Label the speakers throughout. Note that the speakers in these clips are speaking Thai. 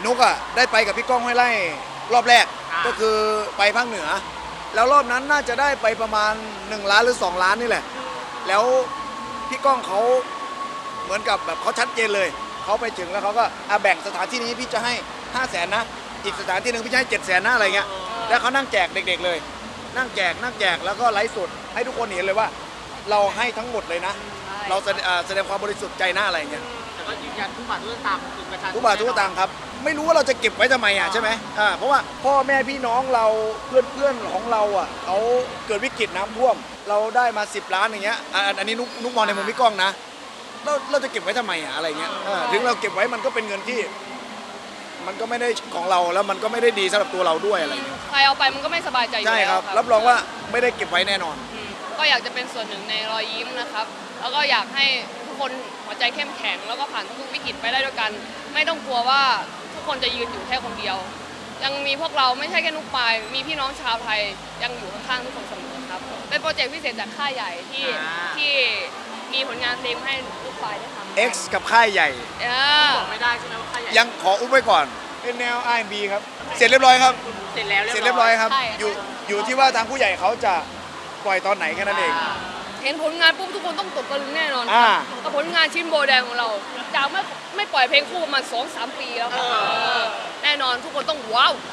Speaker 1: นุกอ่ะได้ไปกับพี่ก้องห้วยไร่รอบแรกก็คือไปภาคเหนือแล้วรอบนั้นน่าจะได้ไปประมาณ1 ล้านหรือ2 ล้านนี่แหละแล้วพี่ก้องเขาเหมือนกับแบบเขาชัดเจนเลยเขาไปถึงแล้วเขาก็แบ่งสถานที่นี้พี่จะให้500,000นะอีกสถานที่หนึ่งพี่จะให้700,000นะอะไรเงี้ยแล้วเขานั่งแจกเด็กๆเลยนั่งแจกแล้วก็ไลฟ์สดให้ทุกคนเห็นเลยว่าเราให้ทั้งหมดเลยนะเราแสดงความบริสุทธิ์ใจหน้าอะไรเงี้ย
Speaker 2: แต่ก็ยืนยันทุกบาททุกสตางค์ถึงประชาชน
Speaker 1: ทุกบาททุกสตางค์ครับไม่รู้ว่าเราจะเก็บไว้ทำไมอ่ะใช่ไหมเพราะว่าพ่อแม่พี่น้องเราเพื่อนของเราอ่ะเขาเกิดวิกฤตน้ำท่วมเราได้มา10 ล้านอย่างเงี้ยอันนี้นุกมองในมุมพี่ก้องนะเราจะเก็บไว้ทำไมอ่ะอะไรเงี้ยถึงเราเก็บไว้มันก็เป็นเงินที่มันก็ไม่ได้ของเราแล้วมันก็ไม่ได้ดีสำหรับตัวเราด้วยอะไรเงี้ย
Speaker 3: ใครเอาไปมันก็ไม่สบายใจอยู่แล้ว
Speaker 1: ใช่ครับรับรองว่าไม่ได้เก็บไว้แน่นอน
Speaker 3: ก็อยากจะเป็นส่วนหนึ่งในรอยยิ้มนะครับแล้วก็อยากให้ทุกคนหัวใจเข้มแข็งแล้วก็ผ่านทุกวิกฤตไปได้ด้วยกันไม่ต้องกลัวว่าทุกคนจะยืนอยู่แค่คนเดียวยังมีพวกเราไม่ใช่แค่นุกปายมีพี่น้องชาวไทยยังอยู่ข้างๆทุกคนเสมอครับเป็นโปรเจกต์พิเศษจากค่ายใหญ่ที่มีผลงานเพลงให้นุกปายได้ทำ
Speaker 1: X กับค่ายใหญ่
Speaker 2: บอกไม่ได้ใช่ไหมว่าค่ายใหญ่
Speaker 1: ยังขออุ้มไว้ก่อนเป็นแนว R&B ครับเสร็จเรียบร้อยครับ
Speaker 2: เสร็จแล้ว
Speaker 1: เสร็จเรียบร้อยครับอยู่ที่ว่าทางผู้ใหญ่เขาจะปล่อยตอนไหนแค่นั้นเอง
Speaker 3: เห็นผลงานปุ๊บทุกคนต้องตกตะลึงแน่นอนกับผลงานชิ้นโบแดงของเราจากไม่ปล่อยเพลงคู่มา 2-3 ปีแล้วแน่นอนทุกคนต้องว้าว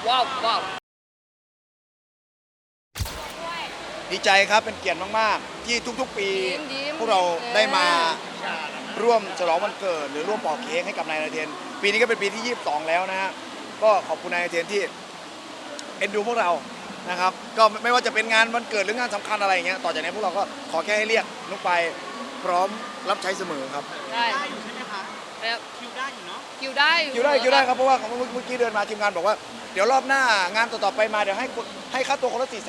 Speaker 1: ดีใจครับเป็นเกียรติมากๆที่ทุกๆปีพวกเราได้มาร่วมฉลองวันเกิดหรือร่วมปอกเค้กให้กับนายนเทนปีนี้ก็เป็นปีที่22แล้วนะฮะก็ขอบคุณนายนเทนที่เอ็นดูพวกเรานะครับก็ไม่ว่าจะเป็นงานวันเกิดหรืองานสำคัญอะไรอย่างเงี้ยต่อจากนี้พวกเราก็ขอแค่ให้เรียกนุกไปพร้อมรับใช้เสมอครับ
Speaker 3: ได้
Speaker 2: อยู่ใช่ไหมคะคิวได้อยู่เนาะ
Speaker 3: คิวได้
Speaker 1: ครับเพราะว่าเมื่อกี้เดินมาทีมงานบอกว่าเดี๋ยวรอบหน้างานต่อๆไปมาเดี๋ยวให้ค่าตัวคนละ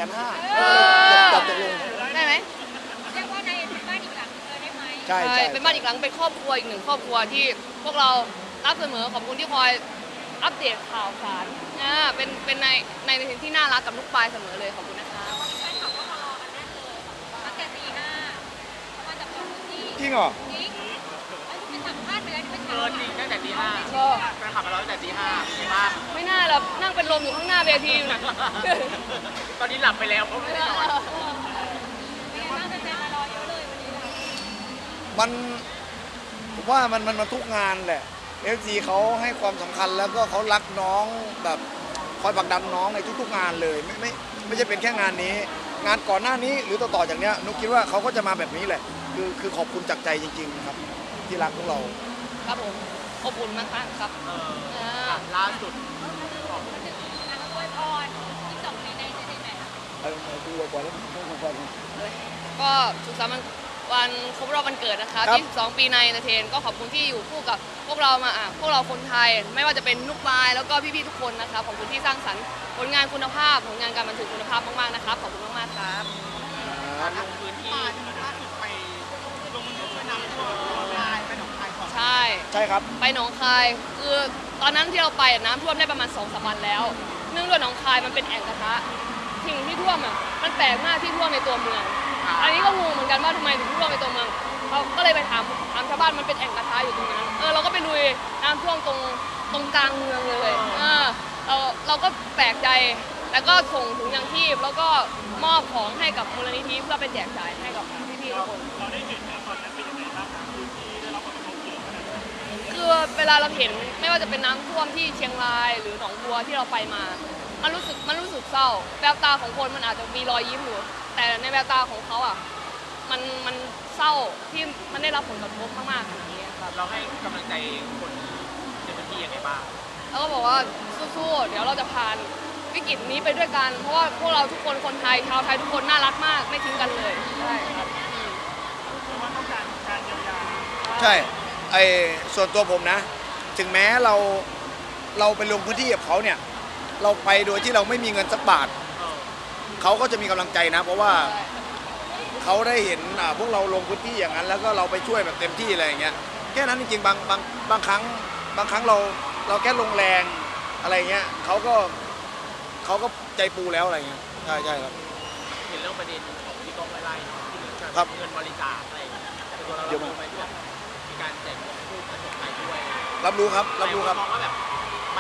Speaker 1: 450,000ตกลง
Speaker 3: ได้ไหม
Speaker 4: เรียกว่าในบ้านอีกหลังได้ไหม
Speaker 1: ใช่
Speaker 3: เป็นบ้านอีกหลังเป็นครอบครัวอีกหนึ่งครอบครัวที่พวกเรารับเสมอขอบคุณที่คอยอัปเดตข่าวสารเป็นในที่น่ารักกับลูกปลายเสมอเลยขอบคุณนะคะ
Speaker 4: วันนี้แฟนคลับก็มารอกันแน่เลยตั้งแต่ตี 5เขามาจากทุกที่
Speaker 1: จริงเหรอ
Speaker 4: จริงไอ้ที่เป็นสัมภาษณ์ไปแล้วที่เป็น
Speaker 2: จริงตั้งแต่ตี 5
Speaker 3: ก็
Speaker 2: แฟนคลับมารอตั้งแต่ตี 5ดีมาก
Speaker 3: ไม่น่าหลับนั่งเป็นลมอยู่ข้างหน้าเวทีอยู่นะ
Speaker 2: ตอนนี้หลับไปแล้วเพราะไม่ได้นอน
Speaker 4: เป็นไงบ้างแฟนๆมารอเยอะเลยวันนี้
Speaker 1: ผมว่ามันทุกงานแหละFC เขาให้ความสำคัญแล้วก็เขารักน้องแบบคอยผลักดันน้องในทุกๆงานเลยไม่ใช่เป็นแค่งานนี้งานก่อนหน้านี้หรือต่อจากเนี้ยนุกคิดว่าเขาก็จะมาแบบนี้แหละคือขอบคุณจากใจจริงๆครับที่รักพวกเรา
Speaker 3: ครับผมขอบคุณมากครับ
Speaker 2: ล่าสุด
Speaker 4: อวยพร22ในไหน
Speaker 1: ดูไว้ก่อนแล้ว
Speaker 3: ก็สุขสันต์วันครบรอบวันเกิดนะคะ22 ปีในเอนเตอร์เทนก็ขอบคุณที่อยู่คู่กับพวกเรามาพวกเราคนไทยไม่ว่าจะเป็นนุกปายแล้วก็พี่ๆทุกคนนะคะขอบคุณที่สร้างสรรค์ผลงานคุณภาพผลงานการบันทึกคุณภาพมากๆนะครับขอบคุณมากๆครับ
Speaker 2: ลงพื้นที่ล่าสุดไปลงมือช่วยน้ำท่วมไปหนองคายก่อน
Speaker 3: ใช่
Speaker 1: ครับ
Speaker 3: ไปหนองคายคือตอนนั้นที่เราไปน้ำท่วมได้ประมาณ2-3 วันแล้วเนื่องด้วยหนองคายมันเป็นแอ่งกระทะสิ่งที่ท่วมมันแปลกมากที่ท่วมในตัวเมืองอันนี้ก็งงเหมือนกันว่าทำไมถึงท่วมในตัวเมืองเราก็เลยไปถามชาวบ้านมันเป็นแอ่งกระทะอยู่ตรงนั้นเราก็ไปลุยน้ำท่วมตรงกลางเมืองเลยเราก็แปลกใจแล้วก็ส่งถุงยางชีพแล้วก็มอบของให้กับมูลนิธิเพื่อไปแจกจ่ายให้กับพี่ๆทุกคนเราได้เห็นตอนนั้นเป็นยังไงบ้างพื้นที่ได้รับผลกระทบเยอะขนาดไหนคือเวลาเราเห็นไม่ว่าจะเป็นน้ำท่วมที่เชียงรายหรือหนองบัวที่เราไปมามันรู้สึกเศร้าแววตาของคนมันอาจจะมีรอยยิ้มอยู่แต่ในแววตาของเขามันเศร้าที่มันได้รับผลกระทบมากๆขนาดนี้ครับ
Speaker 2: เราให้กำลังใจคนในพื้นที่ยังไงบ้าง
Speaker 3: แล้วก็บอกว่าสู้ๆเดี๋ยวเราจะผ่านวิกฤตนี้ไปด้วยกันเพราะว่าพวกเราทุกคนคนไทยชาวไทยทุกคนน่ารักมากไม่ทิ้งกันเลยใช่ครับ
Speaker 2: ว่าต้องการเยียวยา
Speaker 1: ใช่ส่วนตัวผมนะถึงแม้เราไปลงพื้นที่กับเขาเนี่ยเราไปโดยที่เราไม่มีเงินสักบาทเขาก็จะมีกำลังใจนะเพราะว่าเขาได้เห็นพวกเราลงพื้นที่อย่างนั้นแล้วก็เราไปช่วยแบบเต็มที่อะไรอย่างเงี้ยแค่นั้นจริงๆบางครั้งเราแค่ลงแรงอะไรเงี้ยเขาก็ใจปูแล้วอะไรเงี้ยใช่ครับ
Speaker 2: เห็นเรื่องประเด็นของพี่ก้องไล่ที่เงินบริจาคอะไรแต่ตัวเราไปด้วยมีการแจกคู่ผสมไทยด้วย
Speaker 1: รับรู้ครับ
Speaker 2: มองว่าแบบมันจะได้กระ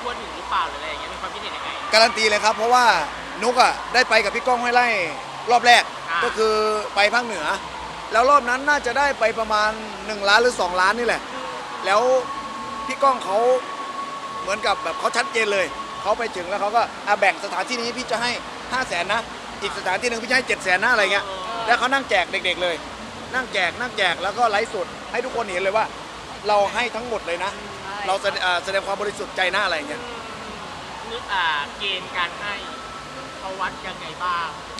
Speaker 2: ทั่วถึงหรือเปล่าหรืออะไรอย่างเงี้ยมีความคิดเห็นยังไง
Speaker 1: การันตีเลยครับเพราะว่านุกอ่ะได้ไปกับพี่ก้องห้วยไร่รอบแรก
Speaker 2: อ่า
Speaker 1: ก็คือไปภาคเหนือ แล้วรอบนั้นน่าจะได้ไปประมาณ1 ล้านหรือ 2 ล้านนี่แหละ แล้วพี่ก้องเขาเหมือนกับแบบเขาชัดเจนเลยเขาไปถึงแล้วเขาก็แบ่งสถานที่นี้พี่จะให้ 500,000นะอีกสถานที่หนึ่งพี่จะให้700,000นะอะไรเงี้ยแล้วเขานั่งแจกเด็กๆเลย นั่งแจกแล้วก็ไลฟ์สดให้ทุกคนเห็นเลยว่า เราให้ทั้งหมดเลยนะ เราแสดงความบริสุทธิ์ใจหน้าอะไรเงี้ย
Speaker 2: นึกเกณฑ์การให้เขาวัดยังไงบ้าง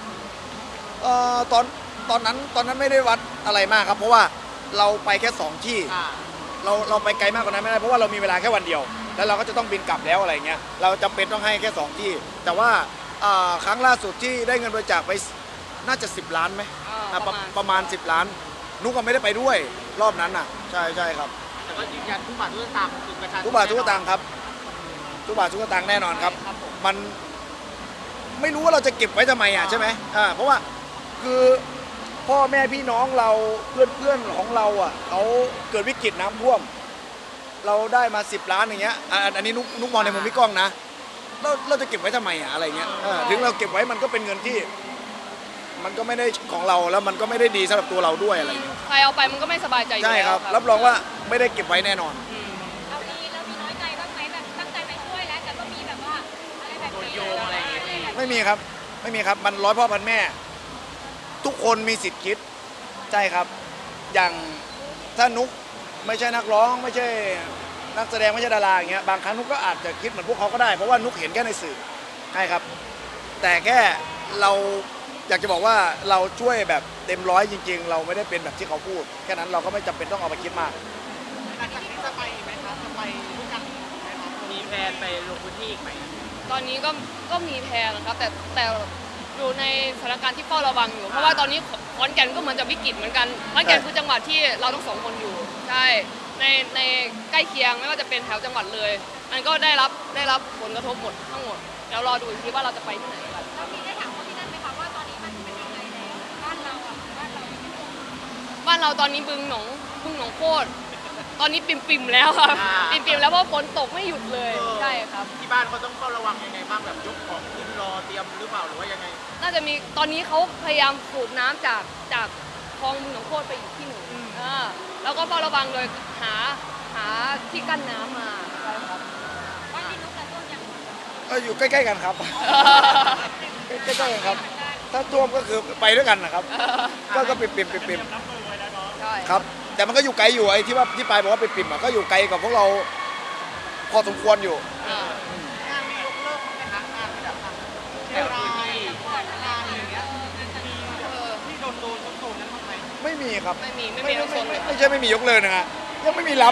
Speaker 1: ตอนนั้นไม่ได้วัดอะไรมากครับ เพราะว่าเราไปแค่2ที่เราไปไกลมากกว่านั้นไม่ได้เพราะว่าเรามีเวลาแค่วันเดียว แล้วเราก็จะต้องบินกลับแล้วอะไรเงี้ยเราจำเป็นต้องให้แค่2ที่ แต่ว่าครั้งล่าสุดที่ได้เงินบริจาคไปน่าจะ10 ล้านไหมประมาณ10 ล้าน นุกก็ไม่ได้ไปด้วยรอบนั้นน่ะใช่ครับ
Speaker 2: แต่ก็ยืนยันทุกบาททุกสตางค์คือประชาชน
Speaker 1: ทุกบาททุกสตางค์ครับทุกบาททุกสตางค์แน่นอนครับ
Speaker 3: ครับผม
Speaker 1: มันไม่รู้ว่าเราจะเก็บไว้ทำไมใช่ไหมเพราะว่าคือพ่อแม่พี่น้องเราเพื่อนของเราเขาเกิดวิกฤตน้ำท่วม เราได้มา10 ล้านอย่างเงี้ยอันนี้นุกมองในมุมพี่ก้องนะเราจะเก็บไว้ทำไมอะไรเงี้ยถึงเราเก็บไว้มันก็เป็นเงินที่ มันก็ไม่ได้ของเราแล้วมันก็ไม่ได้ดีสำหรับตัวเราด้วยอะไรเงี้ย
Speaker 3: ใครเอาไปมันก็ไม่สบายใจอยู่
Speaker 1: ใช่
Speaker 3: แล้ว
Speaker 1: ครับรับรองว่าไม่ได้เก็บไว้แน่นอน
Speaker 4: เรามีน้อยใจบ้างไหมแบบตั้งใจไปช่วยแล้วแต่ก็มีแบบว่าอะไรแบบ
Speaker 2: โดน
Speaker 4: นี้
Speaker 2: โยงอะไรอย่างเงี้ย
Speaker 1: ไม่มีครับมันร้อยพ่อพันแม่ ทุกคนมีสิทธิ์คิดใช่ครับ อย่างถ้านุกไม่ใช่นักร้องไม่ใช่นักแสดงไม่ใช่ดาราอย่างเงี้ยบางครั้งนุกก็อาจจะคิดเหมือนพวกเขาก็ได้เพราะว่านุกเห็นแค่ในสื่อใช่ครับ แต่แค่เราอยากจะบอกว่าเราช่วยแบบเต็มร้อยจริง ๆ เราไม่ได้เป็นแบบที่เขาพูดแค่นั้นเราก็ไม่จำเป็นต้องเอาไปคิดมาก
Speaker 2: หลังจากนี้จะไปไหมครับจะไปด้วยกันไหมครับมีแผนไปลงพื้นที่อีกไหม
Speaker 3: ตอนนี้ก็มีแพลนนะครับแต่อยู่ในสถานการณ์ที่เฝ้าระวังอยู่ เพราะว่าตอนนี้ขอนแก่นก็เหมือนจะวิกฤตเหมือนกันขอนแก่นคือจังหวัดที่เราทั้งสองคนอยู่ใช่ในใกล้เคียงไม่ว่าจะเป็นแถวจังหวัดเลย มันก็ได้รับผลกระทบหมดทั้งหมดแล้วรอดูอีกทีว่าเราจะไปที่ไหนกัน
Speaker 4: เรามีได้ถามคนที่นั่นไหมคะว่าตอนนี้มันเป็นยังไงแล้วบ้านเราบ้านเรา
Speaker 3: บ้านเราตอนนี้บึงหนองโคตรตอนนี้ปิ่มๆแล้วครับปิ่มๆแล้วเพราะฝนตกไม่หยุดเลยใช่ครับ
Speaker 2: ที่บ้านเขาต้องเฝ้าระวังยังไงบ้างแบบยกของขึ้นรอเตรียมหรือเปล่าหรือว่ายังไง
Speaker 3: น่าจะมีตอนนี้เขาพยายามสูบน้ำจากคลองบึงหนองโคตรไปอีกที่หนึ่งแล้วก็เฝ้าระวังโดยหาที่กั้นน้ำมาใช่ครับ
Speaker 4: บ้านที่นุ๊กและต้นยัง
Speaker 1: ก็อยู่ใกล้ๆกันครับ ใกล้ๆกันครับ ถ้าท่วมก็คือไปด้วยกันนะครับ ก็ปิ่ม
Speaker 3: ใช่
Speaker 1: ครับ แต่มันก็อยู่ไกลอยู่ไอ้ที่ว่าที่ปลายบอกว่าปิ่มก็อยู่ไกลกับพวกเราพอสมควรอยู่
Speaker 3: อ่า
Speaker 2: งานมียกเลิกไหมคะงานที่แบบแถวพื้นที่งานอย่างเงี้ยที่โดนนั้นทำไม
Speaker 1: ไม่มีครับ
Speaker 3: ไม่มีทั้งโซนเลย
Speaker 1: ไม่ใช่ไม่มียกเลิกนะฮะยังไม่มีรับ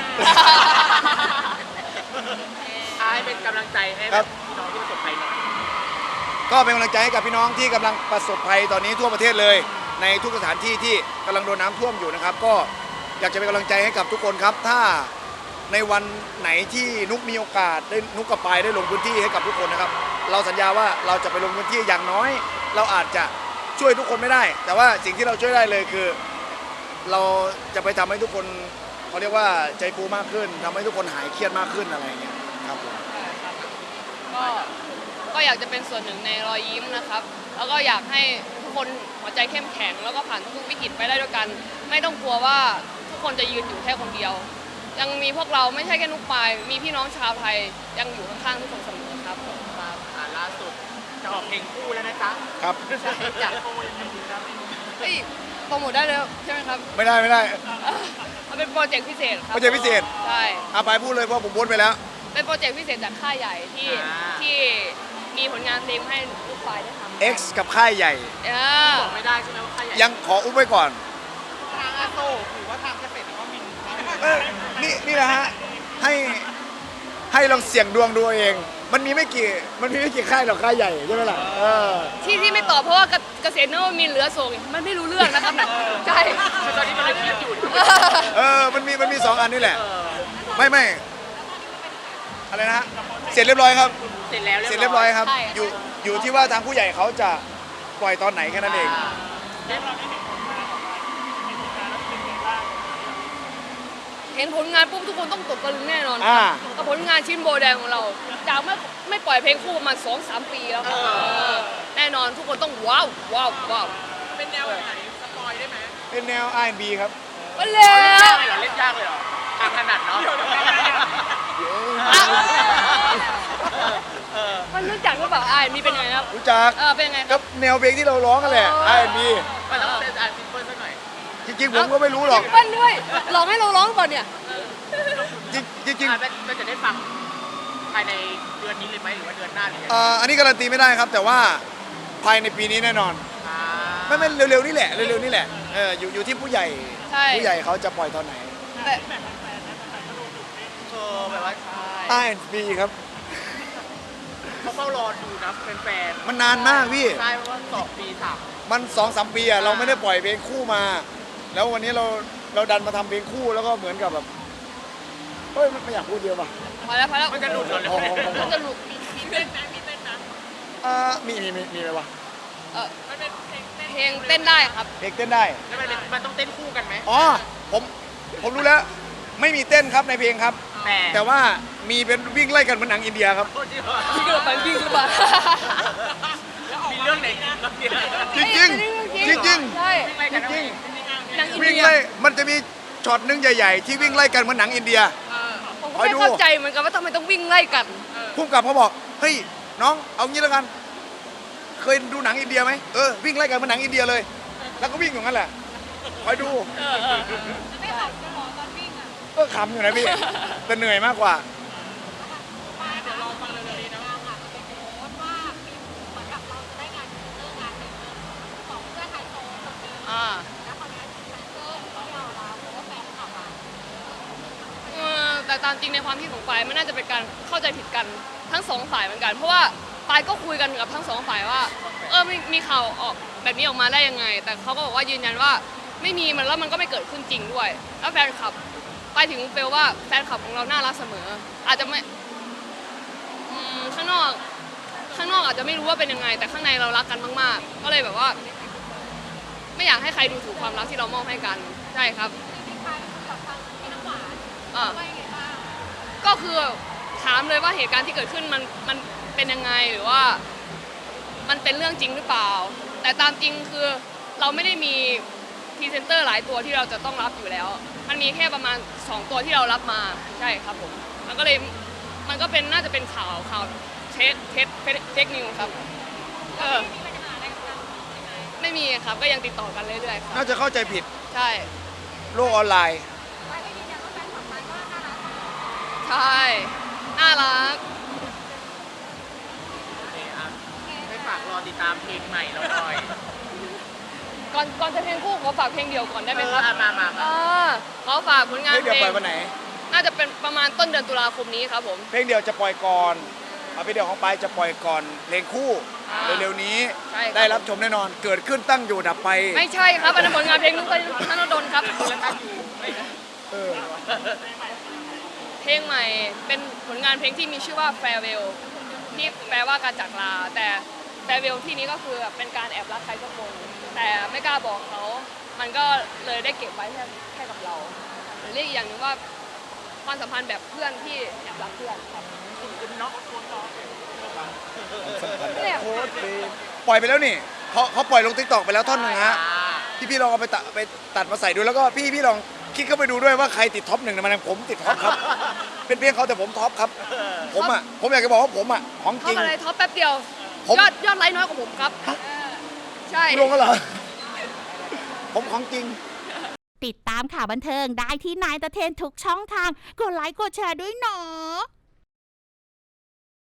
Speaker 2: ให้เป็นกำลังใจให้
Speaker 1: ค
Speaker 2: แบ
Speaker 1: รั
Speaker 2: บบ พี่น้องที่ประสบภัยหน่อย
Speaker 1: ก็เป็นกำลังใจให้กับพี่น้องที่กำลังประสบภัยตอนนี้ทั่วประเทศเลย ในทุกสถานที่ที่กำลังโดนน้ำท่วมอยู่นะครับ ก็อยากจะเป็นกำลังใจให้กับทุกคนครับ ถ้าในวันไหนที่นุกมีโอกาสได้นุกกับปายได้ลงพื้นที่ให้กับทุกคนนะครับ เราสัญญาว่าเราจะไปลงพื้นที่อย่างน้อย เราอาจจะช่วยทุกคนไม่ได้ แต่ว่าสิ่งที่เราช่วยได้เลยคือ เราจะไปทำให้ทุกคนเขาเรียกว่าใจฟูมากขึ้นทำให้ทุกคนหายเครียดมากขึ้นอะไรอย่างเงี้ยครับผม
Speaker 3: ก็อยากจะเป็นส่วนหนึ่งในรอยยิ้มนะครับ แล้วก็อยากให้ทุกคนหัวใจเข้มแข็ง แล้วก็ผ่านทุกวิกฤตไปได้ด้วยกัน ไม่ต้องกลัวว่าทุกคนจะยืนอยู่แค่คนเดียว ยังมีพวกเราไม่ใช่แค่นุกปายมีพี่น้องชาวไทยยังอยู่ข้างๆทุกคนเสมอครับ
Speaker 2: ล่าสุดจะออกเพลงคู่แล้วนะจ๊ะ
Speaker 1: ครับ
Speaker 2: อยากโปรยยังไงดีครับ
Speaker 3: เฮ้ยโปรโมทได้เลยใช่ไหมครับ
Speaker 1: ไม่ได้
Speaker 3: มันเป็นโปรเจกต์พิเศษครับ
Speaker 1: โปรเจกต์พิเศษ
Speaker 3: ใช่
Speaker 1: อาปายพูดเลยเพราะผมพูดไปแล้ว
Speaker 3: เป็นโปรเจกต์พิเศษจากค่ายใหญ่ที่มีผลงานเพลงให้ลูกปายได้ทำ
Speaker 1: X กับค่ายใหญ่
Speaker 2: บอกไม่ได้ใช่ไหมว่าใครใหญ่
Speaker 1: ยังขออุ้มไว้ก่อน
Speaker 2: ทางอาโศกหรือว่าทางเกษตรหรือว่ามินครับ
Speaker 1: นี่นะฮะให้ลองเสี่ยงดวงดูเอาเอง มันมีไม่กี่ค่ายหรอกค่ายใหญ่ใช่ไหมล่ะ
Speaker 3: ที่ไม่ตอบเพราะว่าเกษตรนวมินทร์เหลือส่งมันไม่รู้เรื่องนะครับนะใช่
Speaker 2: ตอนนี้มันเลยคิดอยู่
Speaker 1: มันมี2 อันนี่แหละ ไม่อะไรนะฮะเสร็จเรียบร้อยครับ
Speaker 2: เสร็จแล้ว
Speaker 1: เสร็จเรียบร้อยครับ อยู่ที่ว่าทางผู้ใหญ่เขาจะปล่อยตอนไหนแค่นั้นเอง
Speaker 3: กเห็นผลงานปุ๊บทุกคนต้องตกตะลึงแน่นอน
Speaker 1: อ่า
Speaker 3: กับผลงานชิ้นโบแดงของเรา จากไม่ปล่อยเพลงคู่มา 2-3 ปีแล้วครับแน่นอนทุกคนต้องว้าวว้าวว้าว
Speaker 2: เป็นแนวไหนสปอยได้ไหม
Speaker 1: เป็นแนว R&B ครับ
Speaker 3: มาแล้ว
Speaker 2: เล่นยากเลยเหรอทางถนัดเนาะ
Speaker 3: มันรู้จักหรือเปล่ามีเป็นยังไงครับ
Speaker 1: รู้จัก
Speaker 3: เป็นยังไงค
Speaker 1: ก็
Speaker 3: รับ
Speaker 1: แนวเพลงที่เราร้องกันแหละ R&B
Speaker 2: มันต้องเซนอาร์ซิมเปิลสักหน่อย
Speaker 1: จริงๆผมก็ไม่รู้หรอก
Speaker 3: เปิ้ลด้วยลองให้เราร้องก่อนเนี่ย
Speaker 1: จริง
Speaker 2: มันจะได้ฟังภายในเดือนนี้เลยไหมหรือว่าเดือนหน้าหรือยังไง
Speaker 1: อันนี้การันตีไม่ได้ครับ แต่ว่าภายในปีนี้แน่นอน ไม่เร็วๆนี่แหละเร็วๆนี่แหละอยู่ที่ผู้ใหญ่
Speaker 3: ใช่
Speaker 1: ผู้ใหญ่เขาจะปล่อยตอนไหน
Speaker 3: แต่
Speaker 2: แบบว่า
Speaker 1: R&B ครับ
Speaker 2: เขาเฝ้ารอดูนะแฟน
Speaker 1: มันนานมากพี่
Speaker 2: ๆใช่เพราะว่า2 ปี3
Speaker 1: มัน2-3 ปีอะเราไม่ได้ปล่อยเพลงคู่มา แล้ววันนี้เราดันมาทำเพลงคู่แล้วก็เหมือนกับแบบเฮ้ยไม่อยากพูดเยอะป่ะ
Speaker 3: พอแล้วพอแล้ว
Speaker 2: มันจะหลุดเหรอ
Speaker 3: มันจะหลุด
Speaker 2: มีเต้นไหมมีเต้นนะ
Speaker 1: มีอะไรวะ
Speaker 2: มันเป็นเพลงเต้น
Speaker 3: เพลงเต้นได้ครับ
Speaker 1: เพลงเต้นได้
Speaker 2: แล้วมันต้องเต้นคู่กันไหม
Speaker 1: อ๋อผมรู้แล้ว ไม่มีเต้นครับในเพลงครับ แต่ว่ามีเป็นวิ่งไล่กันเหมือนหนังอินเดียครับ
Speaker 2: โทษทีว่า
Speaker 3: พี่เกิดไปวิ่งหรือเปล่า
Speaker 2: มีเรื่องไหนอีกเรื่องเดียว
Speaker 1: จริงๆจริง
Speaker 3: ใช่
Speaker 2: ไม่กัน
Speaker 1: จริง
Speaker 3: หนังอิน
Speaker 1: วิ่ง
Speaker 3: เดีย
Speaker 1: ไล่มันจะมีช็อตหนึงใหญ่ๆ ที่วิ่งไล่กันเหมือนหนังอินเดีย
Speaker 3: ผมก็ไม่เข้าใจเหมือนกันว่าทำไมต้องวิ่งไล่กัน
Speaker 1: พุ่มกับเขาบอกเฮ้ยน้องเอางี้แล้วกัน เคยดูหนังอินเดียไหมวิ่งไล่กันเหมือนหนังอินเดียเลย แล้วก็วิ่งอย่างนั้นแหละคอยดู
Speaker 4: ไม่ขำจะหรอตอนวิ่งอ่ะ
Speaker 1: ก็ขำอยู่นะพี่ แต่เหนื่อยมากกว่า
Speaker 4: มาเดี๋ยวรอฟังเร็วๆนี้นะว่าค่ะเป็นโพสต์ว่ามีเหมือนกับเราจะได้งานเลิกงานหนึ่งของเพื่อนไทยโซนคนหนึง
Speaker 3: อ่า
Speaker 4: แล้วคนนี้แฟนเซอร์เขาไม่เอาเราเพราะว่าแฟนขับอ่ะ
Speaker 3: แต่ตามจริงในความคิดของปายมันน่าจะเป็นการเข้าใจผิดกันทั้งสองฝ่ายเหมือนกัน เพราะว่าปายก็คุยกันกับทั้งสองฝ่ายว่ามีข่าวออกแบบนี้ออกมาได้ยังไง แต่เขาก็บอกว่ายืนยันว่าไม่มีมันแล้วมันก็ไม่เกิดขึ้นจริงด้วย แล้วแฟนคลับปายถึงเปลว่าแฟนคลับของเราน่ารักเสมอ อาจจะไม่ข้างนอกอาจจะไม่รู้ว่าเป็นยังไง แต่ข้างในเรารักกันมากๆ ก็เลยแบบว่า ไม่อยากให้ใครดูถูกความรักที่เรามอบให้กันใช่ครับ
Speaker 4: จริงๆไปกับทางพี่น้ำหวาน
Speaker 3: อ่า
Speaker 4: ว่ายังไงบ้าง
Speaker 3: ก็คือถามเลยว่าเหตุการณ์ที่เกิดขึ้นมันเป็นยังไงหรือว่ามันเป็นเรื่องจริงหรือเปล่า แต่ตามจริงคือเราไม่ได้มีพรีเซนเตอร์หลายตัวที่เราจะต้องรับอยู่แล้ว มันมีแค่ประมาณ2ตัวที่เรารับมาใช่ครับผมมันก็เลยมันก็เป็นน่าจะเป็นข่าวเทคนิวครับ
Speaker 4: มีปัญหาอะไรกับทางใช่ไหม
Speaker 3: ไม่มีครับก็ยังติดต่อกันเรื่อยๆครับ
Speaker 1: น่าจะเข้าใจผิด
Speaker 3: ใช่
Speaker 1: โลกออนไลน์
Speaker 4: ไปก็ยืนยันว่าแฟนขับไปก็น่ารัก
Speaker 3: ใช่น่ารัก
Speaker 2: ให้ฝากรอติดตามเพลงใหม่เราหน่อย
Speaker 3: ก่อนจะเพลงคู่ขอฝากเพลงเดียวก่อนได้ไหมครับ
Speaker 2: มา
Speaker 3: ขอฝากผลงาน
Speaker 1: เพลงเดียว
Speaker 3: เพล
Speaker 1: ปล่อง ยวันไหน
Speaker 3: น่าจะเป็นประมาณต้นเดือนตุลาคมนี้ครับผม
Speaker 1: เพลงเดียวจะปล่อยก่อนเพลงเดียวของปายจะปล่อยก่อน เพลงคู่
Speaker 3: อ่า
Speaker 1: เร็วๆนี้
Speaker 3: ใช่ครับ
Speaker 1: ได้รับชมแน่นอน เกิดขึ้นตั้งอยู่ดับไป
Speaker 3: ไม่ใช่ครับอันนั้นผลงานเพลงนุ๊กธนดลครับ
Speaker 1: เออ
Speaker 3: เพลงใหม่เป็นผลงานเพลงที่มีชื่อว่า Farewell ที่แปลว่าการจากลา แต่ Farewell ที่นี้ก็คือเป็นการแอบรักใครสักคนแต่ไม่กล้าบอกเขา มันก็เลยได้เก็บไว้แค่กับเราหรือเรียกอีกอย่างหนึงว่าความสัมพันธ์แบบเพื่อนที่แอบรักเพื่อนครับ เนี่ย
Speaker 1: โคตรดีปล่อยไปแล้วนี่เขาปล่อยลงติ๊กตอกไปแล้วท่อนหนึ่งฮะพี่ลองเอาไปตัดมาใส่ดูแล้วก็พี่ลองคลิกเข้าไปดูด้วยว่าใครติดท็อป1ในมันผมติดท็อปครับ เป็นเพลงเขาแต่ผมท็อปครับ ผมอยากจะบอกว่าผมของ
Speaker 3: ท็
Speaker 1: จ
Speaker 3: อ
Speaker 1: ริ
Speaker 3: ป
Speaker 1: ง
Speaker 3: อะไรท็อปแป๊บเดียว
Speaker 1: ผม
Speaker 3: ยอดไลค์น้อยกว่าผมครับใช่
Speaker 1: ลงกันเหรอผมของจริง
Speaker 5: ติดตามข่าวบันเทิงได้ที่นายตะเทนทุกช่องทาง กดไลค์กดแชร์ด้วยเนาะ